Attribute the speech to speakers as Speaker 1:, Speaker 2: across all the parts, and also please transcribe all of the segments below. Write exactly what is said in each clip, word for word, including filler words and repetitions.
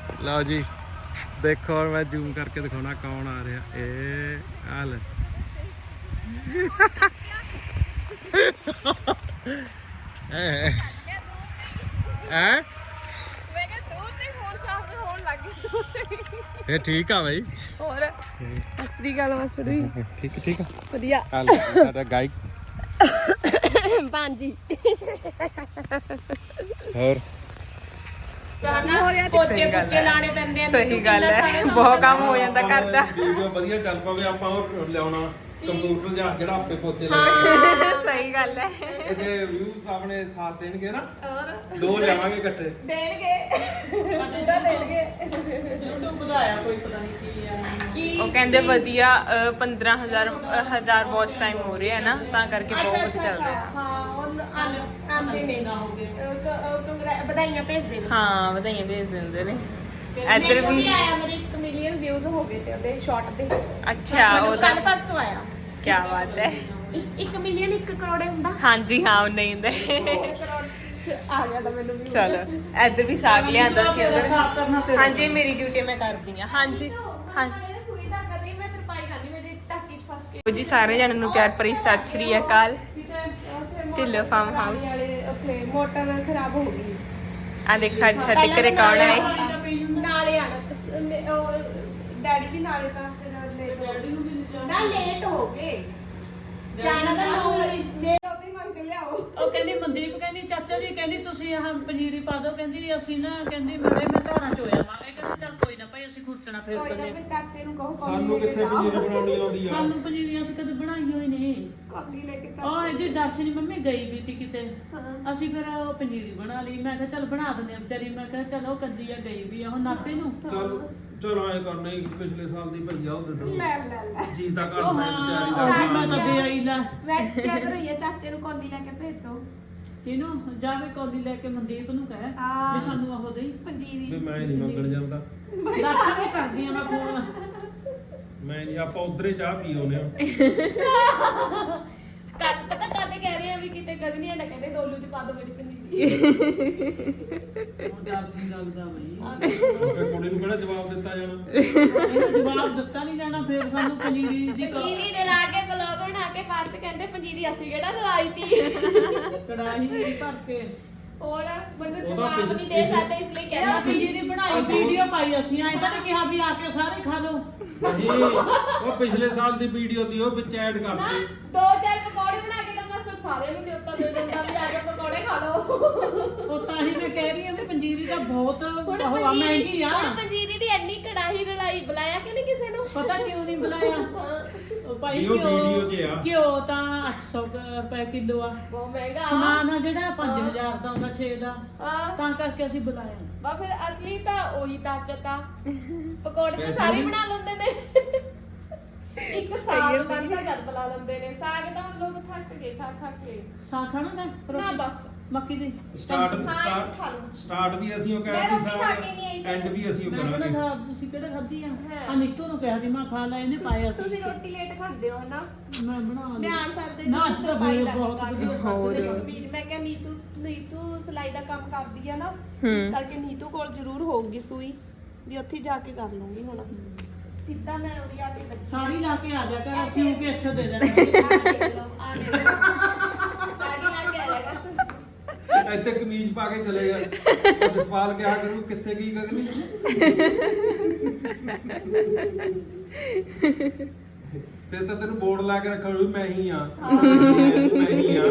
Speaker 1: ਲਓ ਜੀ ਦੇਖੋ और मैं जूम करके दिखाना कौन आ रहा ए हाल हैं ਇਹ ਠੀਕ ਆ ਬਾਈ
Speaker 2: ਹੋਰ ਅਸਰੀ ਗੱਲ ਵਸੜੀ
Speaker 1: ਠੀਕ ਠੀਕ ਆ
Speaker 2: ਵਧੀਆ
Speaker 1: ਹਾਲ ਸਾਡਾ ਗਾਇਕ
Speaker 2: ਪਾਂਜੀ
Speaker 1: ਹੋਰ
Speaker 2: ਪੋਚੇ ਪੁੱਚੇ ਲਾਣੇ ਪੈਂਦੇ ਨੇ ਸਹੀ ਗੱਲ ਹੈ ਬਹੁਤ ਕੰਮ ਹੋ ਜਾਂਦਾ ਘਰ ਦਾ
Speaker 1: ਵੀਡੀਓ ਵਧੀਆ ਚੱਲ ਪਵੇ ਆਪਾਂ ਉਹ ਲਿਆਉਣਾ ਕੰਪਿਊਟਰ ਜਾਂ ਜਿਹੜਾ ਆਪੇ ਪੋਚੇ ਲਾ
Speaker 2: ਸਹੀ ਗੱਲ ਹੈ
Speaker 1: ਇਹ ਜੇ ਵਿਊਜ਼ ਆਪਣੇ ਸਾਥ ਦੇਣਗੇ ਨਾ ਹੋਰ ਦੋ ਲਿਆਵਾਂਗੇ ਇਕੱਠੇ
Speaker 2: ਦੇਣਗੇ ਕਿੱਦਾਂ ਦੇਣਗੇ
Speaker 3: YouTube ਵਧਾਇਆ ਕੋਈ ਪਤਾ ਨਹੀਂ ਕੀ ਆ
Speaker 2: ਕੀ
Speaker 4: ਉਹ ਕਹਿੰਦੇ ਵਧੀਆ ਪੰਦਰਾਂ ਹਜ਼ਾਰ ਹਜ਼ਾਰ ਵਾਚ ਟਾਈਮ ਹੋ ਰਿਹਾ ਹੈ ਨਾ ਤਾਂ ਕਰਕੇ ਬਹੁਤ ਵਧੀਆ ਚੱਲ ਰਿਹਾ
Speaker 2: ਹਾਂ ਉਹ ਆਂਦੇ ਨੇ
Speaker 3: ਨਾ ਹੋ ਗਏ
Speaker 2: ਕੰਗਰਾ ਵਧਾਈਆਂ ਭੇਜਦੇ ਨੇ
Speaker 4: ਹਾਂ ਵਧਾਈਆਂ ਭੇਜ ਦਿੰਦੇ ਨੇ ਇੱਧਰ
Speaker 2: ਮੈਨੂੰ
Speaker 4: ਵੀ
Speaker 2: ਵੀ ਆਇਆ ਮੇਰੇ ਇੱਕ ਮਿਲੀਅਨ ਵਿਊਜ਼ ਹੋ ਗਏ ਤੇ ਉਹਦੇ ਸ਼ਾਰਟ ਦੇ
Speaker 4: ਅੱਛਾ ਉਹਦਾ
Speaker 2: ਕੱਲ ਪਰਸੋਂ ਆਇਆ
Speaker 4: ਕੀ ਬਾਤ ਹੈ
Speaker 2: ਇੱਕ ਮਿਲੀਅਨ ਇੱਕ ਕਰੋੜ ਹੁੰਦਾ
Speaker 4: ਹਾਂਜੀ ਹਾਂ ਉਹ ਨਹੀਂ ਹੁੰਦੇ
Speaker 2: ਕਰੋੜ ਆ ਗਿਆ ਤਾਂ ਮੈਨੂੰ ਵੀ
Speaker 4: ਚਲੋ ਇੱਧਰ ਵੀ ਸਾਗ ਲਿਆਂਦਾ ਸੀ
Speaker 3: ਸਾਫ਼
Speaker 4: ਅੰਦਰ
Speaker 3: ਕਰਨਾ ਫਿਰ
Speaker 4: ਹਾਂਜੀ ਮੇਰੀ ਡਿਊਟੀ ਮੈਂ ਕਰਦੀ ਹਾਂ ਹਾਂਜੀ ਹਾਂ
Speaker 2: ਸੂਈ ਦਾ ਕਦੇ ਮੈਂ ਤਰਪਾਈ ਕਰਨੀ ਮੇਰੇ ਟਾਕੀ 'ਚ ਫਸ ਕੇ
Speaker 4: ਜੀ ਸਾਰੇ ਜਣਾਂ ਨੂੰ ਪਿਆਰ ਭਰੀ ਸਤਿ ਸ਼੍ਰੀ ਅਕਾਲ ਢਿੱਲੋਂ ਫਾਰਮ ਹਾਊਸ
Speaker 2: ਉੱਥੇ ਮੋਟਰ ਖਰਾਬ ਹੋ ਗਈ
Speaker 4: ਆ ਦੇਖੋ ਅੱਜ ਸਾਡੇ ਘਰੇ ਕੌਣ ਆਏ
Speaker 2: ਨਾਲੇ ਆਣਾ ਡੈਡੀ ਜੀ ਨਾਲੇ ਤਾਂ ਫਿਰ ਲੇਟ ਨਾ ਲੇਟ ਹੋ ਗਏ ਜਾਣਾ ਤਾਂ ਨੌ ਵਜੇ ਜੇ ਉਹਦੀ ਮੰਗ ਕੇ ਲਿਆਓ
Speaker 3: ਉਹ ਕਹਿੰਦੀ ਮਨਦੀਪ ਕਹਿੰਦੀ ਚਾਚਾ ਜੀ ਕਹਿੰਦੀ ਤੁਸੀਂ ਆਹ ਪਨੀਰੀ ਪਾ ਦਿਓ ਕਹਿੰਦੀ ਅਸੀਂ ਨਾ ਕਹਿੰਦੀ ਮੇਰੇ ਮੈਂ ਧਾਰਾਂ ਚ ਹੋਇਆ ਮਾਂ ਇਹ ਕਹਿੰਦੀ ਚੱਲ ਕੋਈ ਨਾ ਭਾਈ ਅਸੀਂ ਖੁਰਚਣਾ ਫੇਰ
Speaker 2: ਕੋਈ ਨਾ
Speaker 3: ਕਰਨੇ
Speaker 2: ਫਿਰ ਚਾਚੇ ਨੂੰ ਕਹੋ ਕੌਫੀ
Speaker 1: ਸਾਨੂੰ ਕਿੱਥੇ ਪਨੀਰ ਬਣਾਉਣੀ ਆਉਂਦੀ ਆ
Speaker 3: ਸਾਨੂੰ ਪਨੀਰੀਆਂ ਅਸੀਂ ਕਦੇ ਬਣਾਈ ਹੋਈ ਨਹੀਂ
Speaker 2: ਕਾਪੀ ਲੈ ਕੇ
Speaker 3: ਉਹ
Speaker 2: ਚਾਚੇ
Speaker 3: ਇਹਦੀ ਦੱਸ ਨਹੀਂ ਮੰਮੀ ਗਈ ਵੀ ਤੀ ਕਿਤੇ
Speaker 2: ਹਾਂ।
Speaker 3: ਅਸੀਂ ਫਿਰ ਉਹ ਪਨੀਰੀ ਬਣਾ ਲਈ ਮੈਂ ਕਿਹਾ ਚੱਲ ਬਣਾ ਦਿੰਦੇ ਆ ਵਿਚਾਰੀ ਮੈਂ ਕਿਹਾ ਚਲੋ ਕੱਦੀ ਆ ਗਈ ਵੀ ਆ ਉਹ ਨਾਪੇ ਨੂੰ
Speaker 1: ਚੱਲ ਚਲੋ ਐ ਕਰਨਾ ਹੀ ਪਿਛਲੇ ਸਾਲ ਦੀ ਭਈਆ ਉਹ ਦੇ ਦੋ
Speaker 2: ਲੈ ਲੈ ਲੈ
Speaker 1: ਜੀ ਤਾਂ ਘਰ
Speaker 3: ਉਹ
Speaker 1: ਮੈਂ
Speaker 3: ਹਾਂ
Speaker 1: ਵਿਚਾਰੀ
Speaker 3: ਉਹ
Speaker 1: ਦਾ
Speaker 3: ਵੀ ਮੈਂ ਤਾਂ ਦੇ ਆਈ ਲੈ
Speaker 2: ਮੈਂ ਕਹਿ ਰਹੀ ਹਾਂ ਚਾਚੇ ਨੂੰ ਕੌਲੀ ਲੈ ਕੇ ਭੇਜ ਦੋ
Speaker 3: ਇਹਨੂੰ ਜਾਵੇ ਕੌਲੀ ਲੈ ਕੇ ਮਨਦੀਪ ਨੂੰ ਕਹਿ
Speaker 2: ਹਾਂ।
Speaker 3: ਵੀ ਸਾਨੂੰ ਉਹ ਦੇਈ
Speaker 1: ਵੀ
Speaker 2: ਪੰਜੀਰੀ
Speaker 1: ਮੈਂ ਨਹੀਂ ਮੰਗਣ ਜਾਂਦਾ
Speaker 3: ਦੱਸ ਕੇ ਕਰਦੀ ਆ ਮੈਂ ਫੋਨ
Speaker 1: ਮੈਂ ਨਹੀਂ ਆਪਾਂ ਉਧਰੇ ਚਾਹ ਪੀ ਆਉਨੇ ਆ
Speaker 2: ਕੱਲ ਪਤਾ ਕਾਹਦੇ ਕਹਿ ਰਹੇ ਆ ਵੀ ਕਿਤੇ ਗਗਨੀਆਂ ਨਾ ਕਹਿੰਦੇ ਡੋਲੂ 'ਚ ਪਾ ਦੋ ਮੇਰੀ ਪੰਜੀਰੀ
Speaker 3: ਉਹ ਡਰ ਨਹੀਂ ਲੱਗਦਾ ਬਈ
Speaker 1: ਫਿਰ ਕੁੜੀ ਨੂੰ ਕਿਹੜਾ ਜਵਾਬ ਦਿੱਤਾ ਜਾਣਾ
Speaker 3: ਇਹਨੂੰ ਜਵਾਬ ਦਿੱਤਾ ਨਹੀਂ ਜਾਣਾ ਫਿਰ ਸਾਨੂੰ ਪਨੀਰੀ ਦੀ ਕ-
Speaker 2: ਪੰਜੀਰੀ ਰਲਾ ਕੇ ਬਲੌਗ ਬਣਾ ਕੇ ਬਾਅਦ 'ਚ ਕਹਿੰਦੇ ਪੰਜੀਰੀ ਅਸੀਂ ਕਿਹੜਾ ਰਲਾਈ ਤੀ
Speaker 3: ਕੜਾਹੀ ਭਰ ਕੇ
Speaker 2: ਹੋਰ ਮੈਨੂੰ
Speaker 1: ਉਹਦਾ
Speaker 2: ਜਵਾਬ
Speaker 1: ਪਿਛ-
Speaker 2: ਨਹੀਂ ਦੇ ਸਕਦੇ ਇਸ ਲਈ
Speaker 3: ਇਹਦਾ
Speaker 2: ਕਹਿੰਦਾ ਵੀ
Speaker 3: ਪਨੀਰੀ ਬਣਾਈ ਵੀਡੀਓ ਪਾਈ ਅਸੀਂ ਐਂ ਤਾਂ ਨਹੀਂ ਕਿਹਾ ਵੀ ਆ ਕੇ ਸਾਰੇ ਖਾ ਲਓ
Speaker 1: ਨਹੀਂ ਉਹ ਪਿਛਲੇ ਸਾਲ ਦੀ ਵੀਡੀਓ ਦੀ ਉਹ ਵਿੱਚ ਐਡ
Speaker 2: ਨਾ
Speaker 1: ਕਰਤੀ
Speaker 2: ਦੋ ਚਾਰ ਪਕੌੜੇ ਬਣਾ ਕੇ ਤਾਂ ਮੈਂ ਸਾਰਿਆਂ ਨੂੰ ਨਿਯੁਕਤਾ ਦੇ ਦਿੰਦਾ ਵੀ ਆ ਕੇ ਪਕੌੜੇ ਖਾ ਲਓ
Speaker 3: ਉਹ ਤਾਂ ਹੀ ਮੈਂ ਕਹਿ ਰਹੀ ਹਾਂ ਵੀ ਪੰਜੀਰੀ ਤਾਂ ਬਹੁਤ
Speaker 2: ਹੁਣ
Speaker 3: ਉਹ ਆ
Speaker 2: ਪੰਜੀਰੀ
Speaker 3: ਮਹਿੰਗੀ ਆ
Speaker 2: ਹੁਣ ਪੰਜੀਰੀ ਦੀ ਇੰਨੀ ਕੜਾਹੀ ਰਲਾਈ ਬੁਲਾਇਆ ਕਿ ਨਹੀਂ ਕਿਸੇ ਨੂੰ
Speaker 3: ਪਤਾ ਕਿਉਂ ਨਹੀਂ ਬੁਲਾਇਆ
Speaker 2: ਹਾਂ,
Speaker 3: ਉਹ ਭਾਈ
Speaker 1: ਵੀ ਉਹ
Speaker 3: ਘਿਓ
Speaker 1: ਵੀਡੀਓ 'ਚ ਆ।
Speaker 3: ਘਿਓ ਤਾਂ ਅੱਠ ਸੌ ਕੁ ਰੁਪਏ ਕਿਲੋ ਆ
Speaker 2: ਬਹੁਤ ਮਹਿੰਗਾ
Speaker 3: ਸਮਾਨ ਆ ਜਿਹੜਾ ਪੰਜ ਹਜ਼ਾਰ ਦਾ ਹੁੰਦਾ ਛੇ ਦਾ
Speaker 2: ਹਾਂ
Speaker 3: ਤਾਂ ਕਰਕੇ ਅਸੀਂ ਬੁਲਾਇਆ
Speaker 2: ਬਾ ਫਿਰ ਅਸਲੀ ਤਾਂ ਉਹੀ ਤਾਕਤ ਆ ਪਕੌੜੇ ਤਾਂ
Speaker 1: ਪੈਸੇ
Speaker 2: ਸਾਰੇ
Speaker 1: ਨਹੀਂ?
Speaker 2: ਬਣਾ ਲੈਂਦੇ ਨੇ ਇੱਕ ਸਾਗ ਬਣਦਾ ਜਦ ਬੁਲਾ ਲੈਂਦੇ ਨੇ ਸਾਗ ਤਾਂ ਹੁਣ ਲੋਕ ਥੱਕ ਗਏ ਖਾ ਖਾ ਕੇ
Speaker 3: ਸਾਗ ਖਾਣਾ ਦਾ
Speaker 2: ਨਾ ਬਸ
Speaker 3: ਮੱਕੀ ਦੀ
Speaker 1: ਸਟਾਰਟ
Speaker 2: ਹਾਂ,
Speaker 1: ਸਟਾਰਟ
Speaker 2: ਖਾ ਲਓ।
Speaker 1: ਸਟਾਰਟ ਵੀ ਅਸੀਂ ਉਹ
Speaker 2: ਮੈਂ
Speaker 1: ਕਰਾਂਗੇ
Speaker 2: ਰੋਟੀ ਖਾ ਕੇ ਨਹੀਂ ਆਈ।
Speaker 1: ਸਾਰਾ ਐਂਡ ਵੀ ਅਸੀਂ ਉਹ
Speaker 3: ਮੈਂ ਕਿਹੜਾ
Speaker 1: ਕਰਾਂਗੇ
Speaker 3: ਖਾ ਤੁਸੀਂ ਕਿਹੜਾ ਖਾਧੀ ਆ
Speaker 2: ਹਾਂ।
Speaker 3: ਆ ਨੀਤੂ ਨੂੰ ਕਿਹਾ ਸੀ ਮੈਂ ਖਾ ਲੈ ਇਹਨੇ ਪਾਇਆ ਸੀ।
Speaker 2: ਤੁਸੀਂ ਰੋਟੀ ਲੇਟ ਖਾਂਦੇ ਹੋ ਹਨਾ
Speaker 3: ਮੈਂ ਬਣਾ ਲਈ
Speaker 2: ਬਿਆਨ ਸਰ ਦੇ
Speaker 3: ਨਾ,
Speaker 2: ਨੂੰ
Speaker 3: ਅੱਜ ਤਾਂ
Speaker 2: ਤਰਪਾਈ
Speaker 3: ਬਹੁਤ
Speaker 2: ਲੱਗ
Speaker 3: ਵਧੀਆ
Speaker 4: ਹੋਰ।
Speaker 2: ਵੀਰ ਮੈਂ ਕਿਹਾ ਨੀਤੂ ਨੀਤੂ ਸਿਲਾਈ ਦਾ ਕੰਮ ਕਰਦੀ ਆ ਨਾ
Speaker 4: ਹੂੰ।
Speaker 2: ਇਸ ਕਰਕੇ ਨੀਤੂ ਕੋਲ ਜ਼ਰੂਰ ਹੋਊਗੀ ਸੂਈ ਵੀ ਉੱਥੇ ਜਾ ਕੇ ਕਰ ਲੂੰਗੀ ਹੁਣ ਸਿੱਧਾ ਮੈਂ ਉਰੀ ਆ ਕੇ ਬੱਚੀ
Speaker 3: ਸਾੜੀ ਲਾ ਕੇ ਆ ਜਾ ਕਰ ਅਸੀਂ ਉਹ ਕੇ ਇੱਥੇ ਦੇ ਦੇਣਾ
Speaker 2: ਆ ਦੇਖ ਲਓ ਆ ਦੇਖ ਲਓ ਸਾੜੀ ਲਾ ਕੇ ਆ ਜਾਗਾ
Speaker 1: ਇੱਥੇ ਕਮੀਜ਼ ਪਾ ਕੇ ਚਲੇ ਗਏ ਜਸਪਾਲ ਕਿਹਾ ਕਰੂ ਕਿੱਥੇ ਗਈ ਗਗਨੀ ਫਿਰ ਤਾਂ ਤੈਨੂੰ ਬੋਰਡ ਲਾ ਕੇ ਰੱਖਣਾ ਵੀ ਮੈਂ ਹੀ ਆ ਮੈਂ ਹੀ ਆ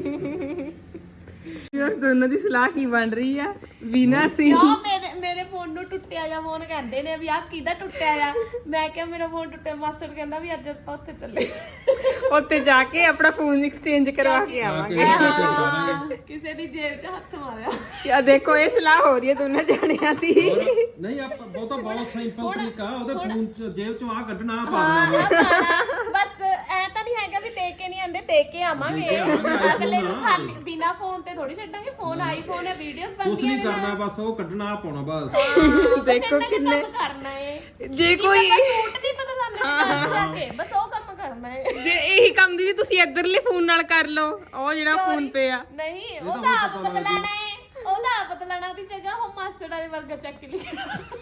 Speaker 4: ਯਾਰ ਦੋਨਾਂ ਦੀ ਸਲਾਹ ਕੀ ਬਣ ਰਹੀ ਆ ਵੀਨਾ ਸੀ
Speaker 2: ਯਾ ਮੇਰੇ ਮੇਰੇ ਫੋਨ ਨੂੰ ਟੁੱਟਿਆ ਜਾ ਫੋਨ ਕਹਿੰਦੇ ਨੇ ਵੀ ਆ ਕਿਹਦਾ ਟੁੱਟਿਆ ਆ ਮੈਂ ਕਿਹਾ ਮੇਰਾ ਫੋਨ ਟੁੱਟਿਆ ਮਾਸਟਰ ਕਹਿੰਦਾ ਵੀ ਅੱਜ ਆਪਾਂ ਉੱਥੇ ਚੱਲੇ
Speaker 4: ਉੱਥੇ ਜਾ ਕੇ ਆਪਣਾ ਫੋਨ ਐਕਸਚੇਂਜ ਕਰਵਾ ਕੇ ਆਵਾਂਗੇ
Speaker 2: ਆਹ, ਕਿਸੇ ਦੀ ਜੇਬ 'ਚ ਹੱਥ ਮਾਰਿਆ
Speaker 4: ਆ ਦੇਖੋ ਇਹ ਸਲਾਹ ਹੋ ਰਹੀ ਹੈ ਦੋਨਾਂ ਜਾਣਿਆਂ ਦੀ
Speaker 1: ਹੋਰ ਨਹੀਂ ਆਪਾਂ ਬਹੁਤਾ ਬਹੁਤ ਸਿੰਪਲ ਤਰੀਕਾ ਉਹਦੇ ਫੋਨ ਚ ਜੇਬ ਚੋਂ ਆ ਕੱਢਣਾ ਆ ਪਾ
Speaker 2: ਹਾਂ
Speaker 1: ਦੇਣਾ
Speaker 2: ਆਹ ਪਾਣਾ। ਬਸ ਐ ਤਾਂ ਨਹੀਂ ਹੈਗਾ ਵੀ ਦੇ ਕੇ ਨਹੀਂ ਆਂਦੇ ਦੇ ਕੇ ਆਵਾਂਗੇ
Speaker 1: ਦੇ ਕੇ ਆਵਾਂਗੇ,
Speaker 2: ਅਗਲੇ ਨੂੰ
Speaker 1: iPhone
Speaker 2: ਖਾਲੀ ਬਿਨਾ ਫੋਨ ਤੇ ਥੋੜੀ ਛੱਡਾਂਗੇ ਫੋਨ ਆਈਫੋਨ ਹੈ ਵੀਡੀਓਜ਼
Speaker 1: ਕੁਛ
Speaker 2: ਬਣਦੀਆਂ
Speaker 1: ਨਹੀਂ ਕਰਨਾ ਬਸ ਉਹ ਕੱਢਣਾ ਆ ਪਾਉਣਾ ਬਸ
Speaker 2: ਦੇਖੋ
Speaker 4: ਦੇਖੋ
Speaker 2: ਕਿੰਨੇ
Speaker 4: ਕਿੰਨੇ
Speaker 2: ਕੰਮ ਕਰਨਾ ਹੈ
Speaker 4: ਜੇ ਕੋਈ
Speaker 2: ਸੂਟ ਨਹੀਂ ਬਦਲਾਉਂਦੇ ਦੁਕਾਨ ਜਾ ਕੇ ਬਸ ਉਹ ਕੰਮ ਕਰਨਾ ਹੈ
Speaker 4: ਜੇ ਇਹੀ ਕੰਮ ਦੀ ਤੁਸੀਂ ਇੱਧਰਲੇ ਫੋਨ ਨਾਲ ਕਰ ਲਓ ਉਹ ਜਿਹੜਾ ਫੋਨ ਪੇ ਆ
Speaker 2: ਨਹੀਂ
Speaker 1: ਇਹ
Speaker 2: ਉਹ
Speaker 1: ਤਾਂ
Speaker 2: ਤਾਂ
Speaker 1: ਹੁਣ
Speaker 2: ਆਪ
Speaker 1: ਪਤਾ ਲੱਗ
Speaker 2: ਬਦਲਾਣਾ ਹੈ ਉਹਦਾ ਆਪ ਤਲਾਣਾ ਦੀ ਜਗ੍ਹਾ ਉਹ ਮਾਸੜ ਵਾਲੇ ਵਰਗਾ ਚੱਕ ਲਿਆ।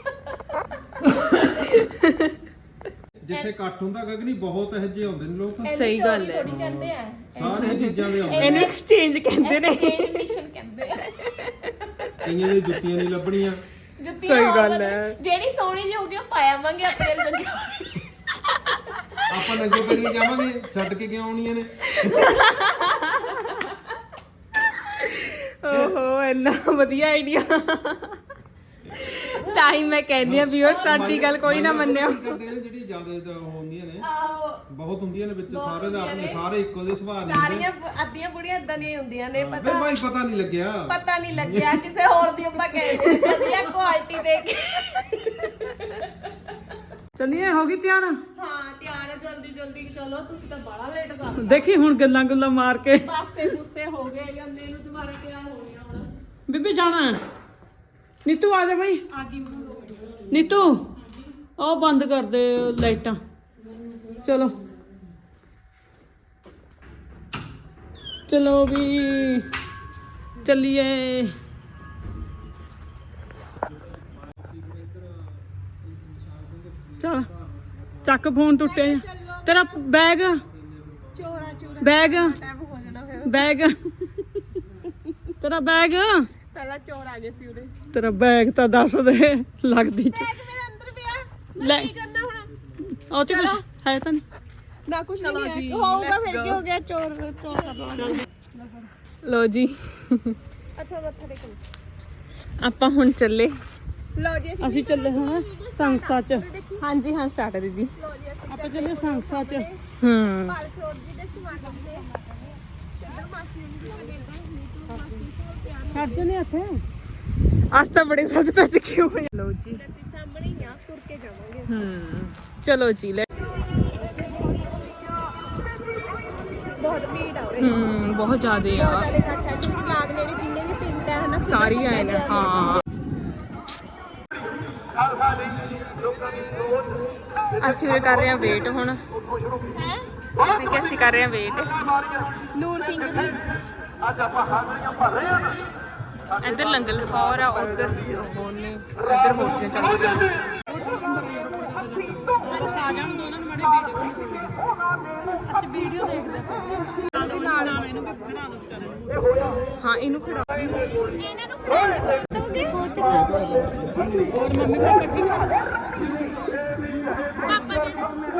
Speaker 1: ਜਿੱਥੇ ਇਕੱਠ ਹੁੰਦਾ ਗਗਨੀ ਬਹੁਤ ਇਹੋ ਜਿਹੇ ਆਉਂਦੇ ਨੇ ਲੋਕ,
Speaker 4: ਸਹੀ ਗੱਲ ਹੈ।
Speaker 2: ਥੋੜੀ ਕਹਿੰਦੇ ਆ
Speaker 1: ਸਾਰੀਆਂ ਚੀਜ਼ਾਂ ਦੇ ਆਉਂਦੇ
Speaker 4: ਇਹਨੂੰ ਐਕਸਚੇਂਜ ਕਹਿੰਦੇ ਨੇ।
Speaker 2: ਐਕਸਚੇਂਜ ਮਿਸ਼ਨ ਕਹਿੰਦੇ ਆ।
Speaker 1: ਕਈਆਂ ਦੀ ਜੁੱਤੀਆਂ ਨਹੀਂ ਲੱਭਣੀਆਂ।
Speaker 2: ਜੁੱਤੀਆਂ
Speaker 4: ਸਹੀ
Speaker 2: ਹੋਰ
Speaker 4: ਗੱਲ
Speaker 2: ਵਧੀਆ-
Speaker 4: ਹੈ।
Speaker 2: ਜਿਹੜੀ ਸੋਹਣੀ ਜਿਹੀ ਹੋਊਗੀ ਉਹ ਪਾਇਆਵਾਂਗੇ ਆਪਣੇ ਅੰਦਰ।
Speaker 1: ਆਪਾਂ ਨੰਗੇ ਪੈਰੀ ਜਾਵਾਂਗੇ, ਛੱਡ ਕੇ ਕਿਉਂ ਆਉਣੀਆਂ ਨੇ?
Speaker 4: ਓਹੋ ਇੰਨਾ ਵਧੀਆ ਆਈਡੀਆ। ਤਾਂ ਹੀ ਮੈਂ ਕਹਿੰਦੀ ਆ ਵੀਰ ਸਾਡੀ ਗੱਲ ਕੋਈ ਨਾ ਮੰਨਿਓ।
Speaker 1: ਕਰਦੇ ਨੇ ਜਿਹੜੀ ਜ਼ਿਆਦਾ ਹੁੰਦੀਆਂ ਨੇ,
Speaker 2: ਆਹੋ
Speaker 1: ਬਹੁਤ ਹੁੰਦੀਆਂ ਨੇ ਵਿੱਚ,
Speaker 2: ਬਹੁਤ
Speaker 1: ਸਾਰੇ ਦਾ ਆਪਣੇ
Speaker 2: ਹੁੰਦੀਆਂ ਨੇ।
Speaker 1: ਸਾਰੇ ਇੱਕੋ ਜਿਹੇ ਸੁਭਾਅ ਨਹੀਂ ਹੁੰਦੇ।
Speaker 2: ਸਾਰੀਆਂ ਬ- ਅੱਧੀਆਂ ਬੁੜੀਆਂ ਇਦਾਂ ਦੀਆਂ ਹੁੰਦੀਆਂ ਨੇ।
Speaker 1: ਬਈ
Speaker 2: ਪਤਾ
Speaker 1: ਭਾਈ ਪਤਾ ਨਹੀਂ ਲੱਗਿਆ।
Speaker 2: ਪਤਾ ਨਹੀਂ ਲੱਗਿਆ ਕਿਸੇ ਹੋਰ ਦੀ ਆਪਾਂ ਕਹਿੰਦੇ ਵਧੀਆ ਕੁਆਲਿਟੀ ਦੇ ਕੇ।
Speaker 3: ਚੱਲੀਏ ਹੋ ਗਈ ਤਿਆਰ।
Speaker 2: ਹਾਂ ਤਿਆਰ ਹੈ, ਜਲਦੀ ਜਲਦੀ ਚਲੋ, ਤੁਸੀਂ ਤਾਂ ਬੜਾ ਲੇਟ ਕਰ ਦਿੱਤਾ।
Speaker 3: ਦੇਖੀ ਹੁਣ ਗੱਲਾਂ ਗੁੱਲਾਂ ਮਾਰ ਕੇ
Speaker 2: ਪਾਸੇ ਗੁੱਸੇ ਹੋ ਗਏ ਜਾਂ ਮੈਨੂੰ ਦੁਬਾਰਾ ਤਿਆਰ ਹੋ ਗਿਆ ਹੁਣ।
Speaker 3: ਬੀਬੀ ਜਾਣਾ। ਨੀਤੂ ਆ ਜਾ ਬਈ।
Speaker 2: ਆ ਗਈ
Speaker 3: ਨੀਤੂ ਉਹ ਬੰਦ ਕਰ ਦੇ ਲਾਈਟਾਂ। ਚਲੋ ਚਲੋ ਵੀ ਚੱਲੀਏ। ਚਲ ਚੱਕ ਫੋਨ ਟੁੱਟਿਆ ਜਿਹਾ। ਤੇਰਾ ਬੈਗ
Speaker 2: ਚੋਰਾ ਚੋਰਾ
Speaker 3: ਬੈਗ
Speaker 2: ਟਾਈਮ ਹੋ ਜਾਣਾ ਫਿਰ।
Speaker 3: ਬੈਗ ਤੇਰਾ ਬੈਗ
Speaker 2: ਪਹਿਲਾਂ ਚੋਰ ਆ ਗਏ ਸੀ ਉਰੇ।
Speaker 3: ਤੇਰਾ ਬੈਗ ਤਾਂ ਦੱਸ ਦੇ ਲੱਗਦੀ ਚ
Speaker 2: ਬੈਗ ਮੇਰੇ ਅੰਦਰ ਪਿਆ।
Speaker 3: ਲੈ
Speaker 2: ਮੈਂ ਕੀ ਕਰਨਾ ਹੁਣ?
Speaker 3: ਉਹ ਚ ਕੁਛ ਹੈ ਤਾਂ ਨਹੀਂ।
Speaker 2: ਨਾ ਕੁਝ ਨਹੀਂ ਹੈ। ਹੋਊਗਾ ਫਿਰ ਕੀ ਹੋ ਗਿਆ? ਚੋਰ ਚੋਰ ਕਰ ਲਵਾਂਗੇ।
Speaker 4: ਲੋ ਜੀ
Speaker 2: ਅੱਛਾ ਮੱਥਾ ਟੇਕੋ।
Speaker 4: ਆਪਾਂ ਹੁਣ ਚੱਲੇ।
Speaker 2: ਲਓ ਜੀ
Speaker 3: ਅਸੀਂ ਚੱਲੇ ਹਾਂ ਸੰਸਾ ਚ।
Speaker 4: ਹਾਂਜੀ ਹਾਂ ਸਟਾਰਟ ਹੈ ਦੀਦੀ।
Speaker 2: ਲਓ ਜੀ ਅਸੀਂ
Speaker 3: ਆਪਾਂ ਚੱਲੇ ਸੰਸਾ ਚ।
Speaker 4: ਹੂੰ
Speaker 2: ਪਾਲ ਫਰੋਡ ਜੀ ਦੇ ਸਮਾਗਮ ਦੇ ਚੱਲ ਮਾਸੀ ਨੂੰ ਵੀ ਲੱਗੇ ਨੀਤੂ ਮਾਸੀ ਸੋ ਪਿਆਰ
Speaker 3: ਛੱਡ ਨੇ ਇੱਥੇ।
Speaker 4: ਅੱਜ ਤਾਂ ਬੜੇ ਸੱਜ ਤੱਜ ਕਿਉਂ ਹੋਏ। ਲੋ ਜੀ
Speaker 2: ਅਸੀਂ ਸਾਹਮਣੇ ਹੀ ਆ, ਤੁਰ ਕੇ ਜਾਵਾਂਗੇ।
Speaker 4: ਹੂੰ ਚਲੋ ਜੀ ਲੈ।
Speaker 2: ਬਹੁਤ ਭੀੜ ਆ ਉਰੇ।
Speaker 4: ਹੂੰ ਬਹੁਤ ਜ਼ਿਆਦੇ
Speaker 2: ਬਹੁਤ
Speaker 4: ਆ।
Speaker 2: ਜ਼ਿਆਦਾ ਇਕੱਠ ਹੈ ਕਿਉਂਕਿ ਲਾਗ ਨੇੜੇ ਜਿੰਨੇ ਵੀ ਪਿੰਡ ਹੈ ਹਨਾ
Speaker 4: ਸਾਰੀ ਆਏ ਨੇ। ਹਾਂ ਅਸੀਂ ਵੀ ਕਰ ਰਹੇ ਹਾਂ ਵੇਟ ਹੁਣ।
Speaker 2: ਹੈ
Speaker 4: ਮੈਂ ਕਿਹਾ ਅਸੀਂ ਕਰ ਰਹੇ ਹਾਂ ਵੇਟ।
Speaker 2: ਨੂਰ ਸਿੰਘ ਦੀ
Speaker 4: ਇੱਧਰ ਲੰਗਰ ਖੌਰ ਆ, ਉੱਧਰ ਉਹ ਨੇ, ਇੱਧਰ ਹੋਟਲ ਚੱਲ ਰਿਹਾ।
Speaker 3: ਆ ਜਾਣ ਦੋ ਉਹਨਾਂ ਨੂੰ ਮਾੜੀ ਵੀਡੀਓ। ਅੱਜ ਵੀਡੀਓ ਦੇਖਦੇ ਆਪਾਂ ਨਾਲ ਨਾਲ ਇਹਨੂੰ ਵੀ ਬਣਾ ਦੋ ਵਿਚਾਰੇ ਨੂੰ।
Speaker 4: ਹਾਂ ਇਹਨੂੰ ਖੜਾ।
Speaker 2: ਇਹਨਾਂ ਨੂੰ ਫੜਾ ਦੋਗੇ ਫੋਰਥ ਕਲਾਸ।
Speaker 3: ਹੋਰ ਮੰਮੀ ਪਾਪਾ ਠੀਕ ਆ?
Speaker 2: ਪਾਪਾ ਨੇ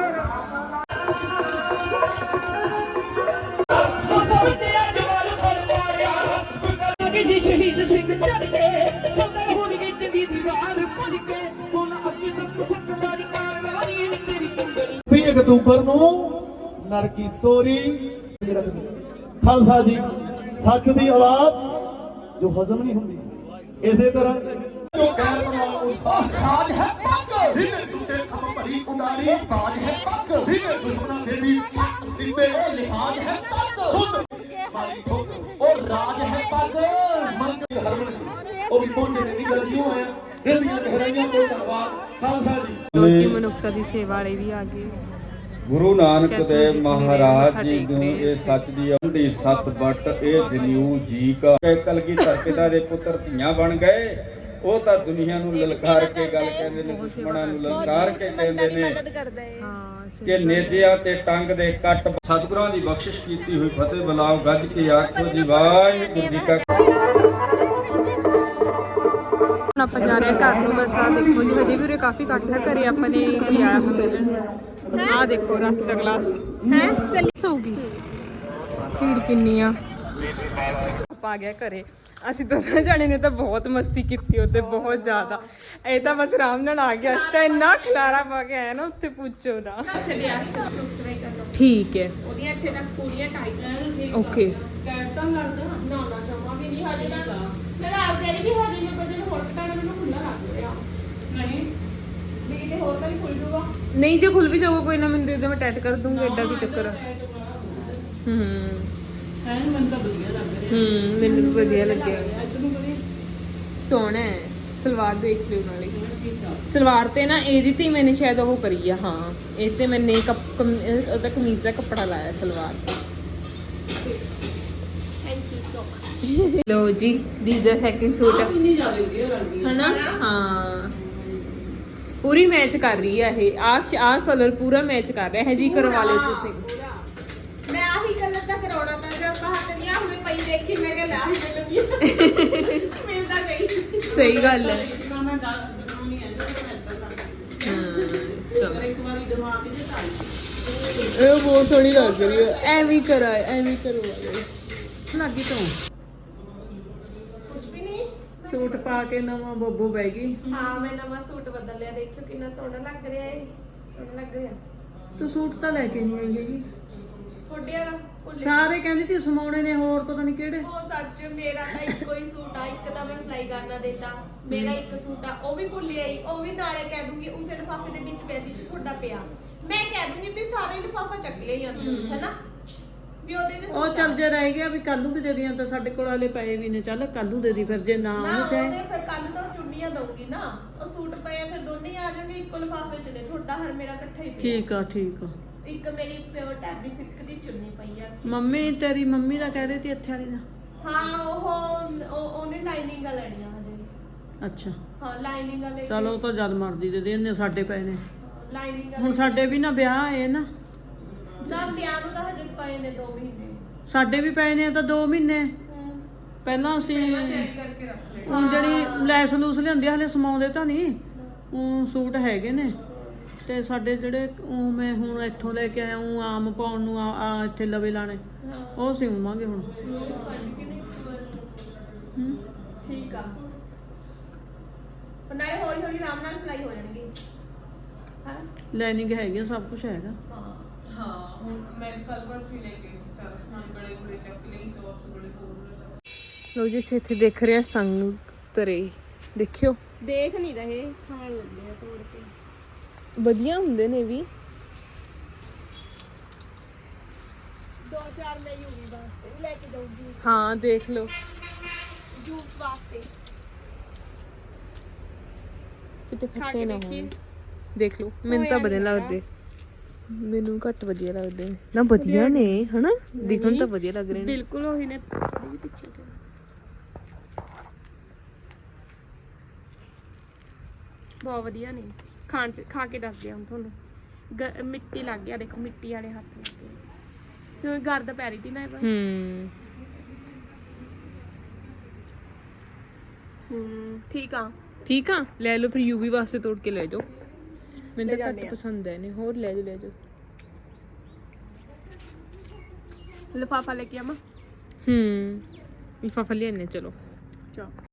Speaker 3: ਜੀ ਸ਼ਹੀਦ ਸਿੰਘ ਚੜ ਕੇ ਸੌਦਾ ਹੋ ਗਈ ਦੀ ਦੀਵਾਰ ਪੁੱਜ ਕੇ ਹੁਣ ਅੱਗੇ ਤੱਕ ਸੰਗਦਾਰੀ ਕਾਰਵਾਈ ਨੇ ਤੇਰੀ ਕੰਗਣੀ।
Speaker 5: ਵੀਹ ਅਕਤੂਬਰ ਨੂੰ ਨਰਕੀ ਤੋਰੀ ਖਾਲਸਾ ਜੀ ਸੱਚ ਦੀ ਆਵਾਜ਼ ਜੋ ਹਜ਼ਮ ਨਹੀਂ ਹੁੰਦੀ। ਇਸੇ ਤਰ੍ਹਾਂ ਜੋ ਗੈਰ ਉਹ ਸਾਜ ਹੈ ਪੱਗ ਜਿਹਨੇ ਟੁੱਟੇ ਖਮ ਭਰੀ ਉਡਾਰੀ ਬਾਜ ਹੈ ਪੱਗ ਜਿਹਨੇ ਦੁਸ਼ਮਣਾਂ ਦੇ ਵੀ ਸਿੱਧੇ ਲਿਹਾਜ਼ ਹੈ ਪੱਗ ਖੁਦ ਮਾਰੀ ਠੋਕ ਉਹ ਰਾਜ ਹੈ ਪੱਗ ਮੰਗ ਹਰਮਨ ਉਹ ਵੀ ਪਹੁੰਚੇ ਨੇ ਨਿਕਲ ਜਿਉ ਆਇਆ ਦਿਲ ਦੀਆਂ ਗਹਿਰਾਈਆਂ ਤੋਂ ਧੰਨਵਾਦ ਖਾਲਸਾ ਜੀ।
Speaker 4: ਲੋ ਜੀ ਮਨੁੱਖਤਾ ਦੀ ਸੇਵਾ ਵਾਲੇ ਵੀ ਆ ਗਏ।
Speaker 6: ਗੁਰੂ ਨਾਨਕ ਦੇਵ ਮਹਾਰਾਜ ਜੀ ਨੂੰ ਇਹ ਸੱਚ ਦੀ ਅੰਡੀ ਸਤ ਬਟ ਇਹ ਜਨਿਊ ਜੀ ਕਾ ਕਲਗੀਧਰ ਪਿਤਾ ਦੇ ਪੁੱਤਰ ਧੀਆਂ ਬਣ ਗਏ। ਉਹ ਤਾਂ ਦੁਨੀਆ ਨੂੰ ਲਲਕਾਰ ਕੇ ਗੱਲ ਕਹਿੰਦੇ ਨੇ, ਦੁਸ਼ਮਣਾਂ ਨੂੰ ਲਲਕਾਰ ਕੇ ਕਹਿੰਦੇ ਨੇ
Speaker 2: ਮਦਦ ਕਰਦਾ ਹੈ।
Speaker 4: ਹਾਂ ਸਹੀ
Speaker 6: ਕਿ ਨੇਜਿਆਂ ਤੇ ਟੰਗ ਦੇ ਕੱਟ ਸਤਿਗੁਰਾਂ ਦੀ ਬਖਸ਼ਿਸ਼ ਕੀਤੀ ਹੋਈ ਫਤਿਹ ਬੁਲਾਓ ਗੱਜ ਕੇ ਆਖੋ ਜੀ ਵਾਹਿਗੁਰੂ ਜੀ ਕਾ।
Speaker 4: ਹੁਣ ਆਪਾਂ ਜਾ ਰਹੇ ਹਾਂ ਘਰ ਨੂੰ। ਬਸ ਆ ਦੇਖੋ ਜੀ ਹਜੇ ਵੀ ਉਰੇ ਕਾਫੀ ਇਕੱਠ ਹੈ। ਘਰੇ ਆਪਾਂ ਨੇ ਕੋਈ ਆਇਆ ਹੁਣ ਮਿਲਣ। ਆ ਦੇਖੋ ਰਸ ਦਾ ਗਲਾਸ
Speaker 2: ਹੈ ਚੱਲ
Speaker 4: ਹੋਊਗੀ। ਭੀੜ ਕਿੰਨੀ ਆ। ਆਪਾਂ ਆ ਗਿਆ ਘਰੇ। ਅਸੀਂ ਦੋਨਾਂ ਜਾਣੇ ਨੇ ਤਾਂ ਬਹੁਤ ਮਸਤੀ ਕੀਤੀ ਉੱਤੇ, ਬਹੁਤ ਜ਼ਿਆਦਾ। ਇਹ ਤਾਂ ਬਸ ਆਰਾਮ ਨਾਲ ਆ ਗਿਆ। ਅਸੀਂ ਤਾਂ ਇੰਨਾ ਖਲਾਰਾ ਪਾ ਕੇ ਆਇਆ ਨਾ ਉੱਥੇ ਪੁੱਛੋ ਨਾ। ਠੀਕ ਹੈ
Speaker 2: ਉਹਦੀਆਂ ਇੱਥੇ ਤੱਕ ਪੂਰੀਆਂ ਟਾਈਟ ਰਹਿਣ।
Speaker 4: ਓਕੇ।
Speaker 2: ਕਹਿਤਾ ਲੱਗਦਾ ਨਾ ਨਾ ਜਮਾ ਵੀ ਨਹੀਂ ਹਜੇ ਤੱਕ। ਮੈਂ ਆਪ ਕਹਿ ਰਹੀ ਕਿ ਹਜੇ ਮੈਂ ਕਦੇ ਹੋਰ ਟਾਈਮ ਮੈਨੂੰ ਖੁੱਲਾ ਲੱਗ ਰਿਹਾ।
Speaker 3: ਨਹੀਂ
Speaker 2: ਵੀ ਕਿਤੇ ਹੋਰ ਤਾਂ ਨਹੀਂ ਖੁੱਲ ਜੂਗਾ।
Speaker 4: ਨਹੀਂ ਜੇ ਖੁੱਲ ਵੀ ਜਾਊਗਾ ਕੋਈ ਨਾ ਮੈਨੂੰ ਦੇ ਦੇ, ਮੈਂ ਟੈਟ ਕਰ ਦੂੰਗੀ। ਐਡਾ ਕੀ ਚੱਕਰ ਆ। ਹੂੰ
Speaker 3: ਹੈ ਮੈਨੂੰ ਤਾਂ ਵਧੀਆ ਲੱਗ ਰਿਹਾ।
Speaker 4: ਹੂੰ ਮੈਨੂੰ ਵੀ ਵਧੀਆ ਲੱਗਿਆ।
Speaker 3: ਇੱਧਰ ਨੂੰ ਕਰੀ
Speaker 4: ਸੋਹਣਾ ਹੈ। ਸਲਵਾਰ ਦੇਖ ਲਿਓ ਨਾਲੇ। ਸਲਵਾਰ ਤੇ ਨਾ ਇਹਦੀ ਤੇ ਮੈंने ਸ਼ਾਇਦ ਉਹ ਕਰੀ ਆ। ਹਾਂ ਇਹ ਤੇ ਮੈंने ਕੱਪ ਉਹਦਾ ਕਮੀਜ਼ ਦਾ ਕੱਪੜਾ ਲਾਇਆ ਸਲਵਾਰ ਤੇ।
Speaker 2: Thank you so much.
Speaker 4: ਲੋ ਜੀ ਦੀ ਦਾ ਸੈਕਿੰਡ ਸੂਟ
Speaker 3: ਕਿੰਨੀ ਜ਼ਿਆਦਾ ਵਧੀਆ ਲੱਗਦੀ ਹੈ
Speaker 4: ਹਨਾ ਹਾਂ ਪੂਰੀ ਮੈਚ ਕਰ ਰਹੀ ਹੈ ਇਹ ਆਹ ਆਹ ਕਲਰ ਪੂਰਾ ਮੈਚ ਕਰ ਰਿਹਾ ਹੈ ਜੀ ਕਰਵਾ ਲਿਓ ਤੁਸੀਂ
Speaker 2: ਪੂਰਾ। ਮੈਂ ਆਹੀ ਕਲਰ ਦਾ ਕਰਾਉਣਾ ਤਾਂ ਜਦ ਬਾਹਰ ਤੇ ਆ ਹੁਣੇ ਪਈ ਦੇਖੀ ਮੈਂ ਕਿਹਾ ਲੈ ਆਹੀ ਮਿਲਣੀ ਮਿਲਦਾ ਗਈ
Speaker 4: ਸਹੀ ਗੱਲ ਹੈ
Speaker 3: ਨਾ ਮੈਂ ਗੱਲ ਦਿਖਾਉਣੀ ਹੈ ਜਦੋਂ ਮੈਂ ਇੱਦਾਂ ਕਰਦੀ
Speaker 4: ਹਾਂ ਚਲੋ
Speaker 3: ਇੱਕ ਵਾਰੀ ਦਿਮਾਗ ਵਿੱਚ ਆਈ
Speaker 4: ਇਹ ਬਹੁਤ ਸੋਹਣੀ ਲੱਗ ਰਹੀ ਹੈ ਐਵੇਂ ਕਰਾ ਐਵੇਂ ਕਰਵਾ ਲਓ
Speaker 3: ਲੱਗੀ ਤੋਂ
Speaker 2: ਕੁਝ ਵੀ ਨਹੀਂ
Speaker 3: ਸੂਟ ਪਾ ਕੇ ਨਵਾਂ ਬੱਬੂ ਬਹਿ ਗਈ
Speaker 2: ਹਾਂ ਮੈਂ ਨਵਾਂ ਸੂਟ ਬਦਲ ਲਿਆ ਦੇਖਿਓ ਕਿੰਨਾ ਸੋਹਣਾ ਲੱਗ ਰਿਹਾ ਹੈ ਸੋਹਣਾ ਲੱਗ ਰਿਹਾ
Speaker 3: ਤੂੰ ਸੂਟ ਤਾਂ ਲੈ ਕੇ ਨਹੀਂ ਆਈ ਹੈਗੀ
Speaker 2: ਤੁਹਾਡੇ ਵਾਲਾ ਭੁੱਲ ਗਈ।
Speaker 3: ਸਾਰੇ ਕਹਿੰਦੀ ਤੀ ਸਮਾਉਣੇ ਨੇ ਹੋਰ ਪਤਾ ਨਹੀਂ ਕਿਹੜੇ
Speaker 2: ਉਹ ਸੱਚ ਮੇਰਾ ਤਾਂ ਇੱਕੋ ਹੀ ਸੂਟ ਆ ਇੱਕ ਤਾਂ ਮੈਂ ਸਿਲਾਈ ਕਰਨਾ ਦਿੱਤਾ ਮੇਰਾ ਇੱਕ ਸੂਟ ਆ ਉਹ ਵੀ ਭੁੱਲ ਆਈ ਉਹ ਵੀ ਨਾਲੇ ਕਹਿ ਦੂੰਗੀ ਉਸੇ ਲਿਫਾਫੇ ਦੇ ਵਿੱਚ ਪਿਆ ਜਿੱਚ ਤੁਹਾਡਾ ਪਿਆ ਮੈਂ ਕਹਿ ਦੂੰਗੀ ਵੀ ਸਾਰੇ ਲਿਫਾਫਾ ਚੱਕ ਲਿਆ ਜਾਂਦੇ ਹੈਨਾ ਵੀ ਉਹਦੇ ਚ
Speaker 3: ਉਹ ਚੱਲ ਜੇ ਰਹਿ ਗਿਆ ਵੀ ਕੱਲ ਨੂੰ ਵੀ ਦੇ ਦੀਆਂ ਤਾਂ ਸਾਡੇ ਕੋਲ ਵਾਲੇ ਪਏ ਵੀ ਨੇ ਚੱਲ ਕੱਲ ਨੂੰ ਦੇ ਦੀ ਫਿਰ ਜੇ ਨਾ
Speaker 2: ਨਾ
Speaker 3: ਉਹਨੂੰ
Speaker 2: ਉਹਦੇ
Speaker 3: ਚਾਹੇ
Speaker 2: ਫਿਰ ਕੱਲ ਤੋਂ ਚੁੰਨੀਆਂ ਦਊਂਗੀ ਨਾ ਉਹ ਸੂਟ ਪਏ ਆ, ਫਿਰ ਦੋਨੇ ਹੀ ਆ ਜਾਣਗੇ ਇੱਕੋ ਲਿਫਾਫੇ ਚ ਨੇ ਤੁਹਾਡਾ ਹਰ ਮੇਰਾ ਇਕੱਠਾ ਹੀ ਪਿਆ
Speaker 3: ਠੀਕ ਆ ਠੀਕ ਆ
Speaker 2: ਇੱਕ ਮੇਰੀ ਪਿਓਰ ਟੈਬੀ ਸਿਲਕ ਦੀ ਚੁੰਨੀ ਪਈ ਆ
Speaker 3: ਮੰਮੀ ਤੇਰੀ ਮੰਮੀ ਦਾ ਕਹਿ ਰਹੀ ਤੀ ਇੱਥੇ ਵਾਲੀ ਦਾ
Speaker 2: ਹਾਂ ਉਹ ਉਹ- ਉਹਨੇ ਲਾਈਨਿੰਗਾਂ ਲੈਣੀਆਂ ਹਜੇ
Speaker 3: ਅੱਛਾ
Speaker 2: ਹਾਂ ਲਾਈਨਿੰਗਾਂ ਲੈ ਕੇ
Speaker 3: ਚਲ ਉਹ ਤਾਂ ਜਦ ਮਰਦੀ ਦੇ ਦੇ ਇਹਨੇ ਸਾਡੇ ਪਏ ਨੇ
Speaker 2: ਲਾਈਨਿੰਗਾਂ
Speaker 3: ਹੁਣ ਸਾਡੇ ਵੀ ਨਾ ਵਿਆਹ ਆਏ ਨਾ
Speaker 2: ਨਾ ਵਿਆਹ ਨੂੰ ਤਾਂ ਹਜੇ ਪਏ ਨੇ ਦੋ ਮਹੀਨੇ
Speaker 3: ਸਾਡੇ ਵੀ ਪਏ ਨੇ ਤਾਂ ਦੋ ਮਹੀਨੇ
Speaker 2: ਹਮ।
Speaker 3: ਪਹਿਲਾਂ ਅਸੀਂ
Speaker 4: ਕਰਕੇ ਰੱਖ ਲੈ
Speaker 3: ਹੁਣ ਜਿਹੜੀ ਲੈਸ ਲੂਸ ਲਿਆਂਦੀ ਆ, ਹਲੇ ਸਮਾਉਂਦੇ ਤਾਂ ਨਹੀਂ ਉਹ ਸੂਟ ਹੈਗੇ ਨੇ ਤੇ ਸਾਡੇ ਜਿਹੜੇ ਉਹ ਮੈਂ ਹੁਣ ਇੱਥੋਂ ਲੈ ਕੇ ਆਇਆ ਉਹ ਆਮ ਪਾਉਣ ਨੂੰ ਆ ਆ ਇੱਥੇ ਲਵੇ ਲਾਣੇ ਉਹ ਸਿਉਵਾਂਗੇ ਹੁਣ ਹੂੰ
Speaker 2: ਠੀਕ ਆ ਪਰ ਨਾਲੇ ਹੌਲੀ ਹੌਲੀ ਆਰਾਮ ਨਾਲ ਸਿਲਾਈ ਹੋ ਜਾਣਗੀ ਹਾਂ
Speaker 3: ਲਾਈਨਿੰਗ ਹੈਗੀ ਆ, ਸਭ ਕੁਝ ਹੈਗਾ
Speaker 2: ਹਾਂ
Speaker 4: ਹਾਂ ਹੁਣ ਮੈਂ ਕੱਲ ਪਰਸੋਂ ਲੈ ਕੇ ਸੀ ਸਾਰਾ ਸਮਾਨ ਬੜੇ ਬੜੇ ਚੱਕ ਲਈ ਚੌਰਸ ਬੜੇ ਹੋਰ ਲੋ ਜੀ ਇੱਥੇ ਦੇਖ ਰਿਹਾ ਸੰਗਤਰੇ ਦੇਖਿਓ
Speaker 2: ਦੇਖ ਨਹੀਂ ਰਹੇ ਖਾਣ ਲੱਗੇ ਆ ਤੋੜ ਕੇ
Speaker 4: ਵਧੀਆ ਹੁੰਦੇ ਨੇ ਵੀ
Speaker 2: ਦੋ ਚਾਰ ਮੈਂ ਯੂਵੀ ਵਾਸਤੇ ਵੀ ਲੈ ਕੇ ਜਾਊਂਗੀ
Speaker 4: ਹਾਂ ਦੇਖ ਲਓ
Speaker 2: ਜੂਸ ਵਾਸਤੇ
Speaker 4: ਕਿਤੇ
Speaker 2: ਖਾ
Speaker 4: ਖੱਟੇ
Speaker 2: ਕੇ
Speaker 4: ਨਾ
Speaker 2: ਦੇਖੀਏ।
Speaker 4: ਹੋਣ ਦੇਖ ਲਓ ਮੈਨੂੰ ਤਾਂ
Speaker 2: ਹੋਇਆ
Speaker 4: ਵਧੀਆ
Speaker 2: ਨੀ
Speaker 4: ਲੱਗਦੇ ਮੈਨੂੰ ਘੱਟ ਵਧੀਆ ਲੱਗਦੇ ਨੇ ਨਾ ਵਧੀਆ ਨੇ ਹਨਾ ਦਿਖਣ ਤਾਂ ਵਧੀਆ ਲੱਗ ਰਹੇ ਨੇ
Speaker 2: ਬਿਲਕੁਲ ਉਹੀ ਨੇ ਪਿੱਛੇ ਤੋਂ ਬਹੁਤ ਵਧੀਆ ਨੇ ਖਾਣ ਚ ਖਾ ਕੇ ਦੱਸਦੇ ਹਾਂ ਹੁਣ ਤੁਹਾਨੂੰ ਗ- ਮਿੱਟੀ ਲੱਗ ਗਿਆ ਦੇਖੋ ਮਿੱਟੀ ਵਾਲੇ ਹੱਥ ਲੱਗ ਗਏ ਕਿਉਂਕਿ ਗਰਦ ਪੈ ਰਹੀ ਸੀ ਨਾ ਇਹ ਵਾਰ
Speaker 4: ਹੂੰ
Speaker 2: ਹੂੰ ਠੀਕ ਆ
Speaker 4: ਠੀਕ ਆ ਲੈ ਲਓ ਫਿਰ ਯੂਵੀ ਵਾਸਤੇ ਤੋੜ ਕੇ ਲੈ ਜਾਓ ਮੈਨੂੰ
Speaker 2: ਲੈ
Speaker 4: ਤਾਂ
Speaker 2: ਜਾਂਦੇ
Speaker 4: ਘੱਟ
Speaker 2: ਆ।
Speaker 4: ਪਸੰਦ ਹੈ ਨੇ ਹੋਰ ਲੈ ਜਾਓ ਲੈ ਜਾਓ
Speaker 2: ਲਿਫਾਫਾ ਲੈ ਕੇ ਆਵਾਂ
Speaker 4: ਹੂੰ ਲਿਫਾਫਾ ਲਿਆਨੇ ਚਲੋ
Speaker 2: ਚਾ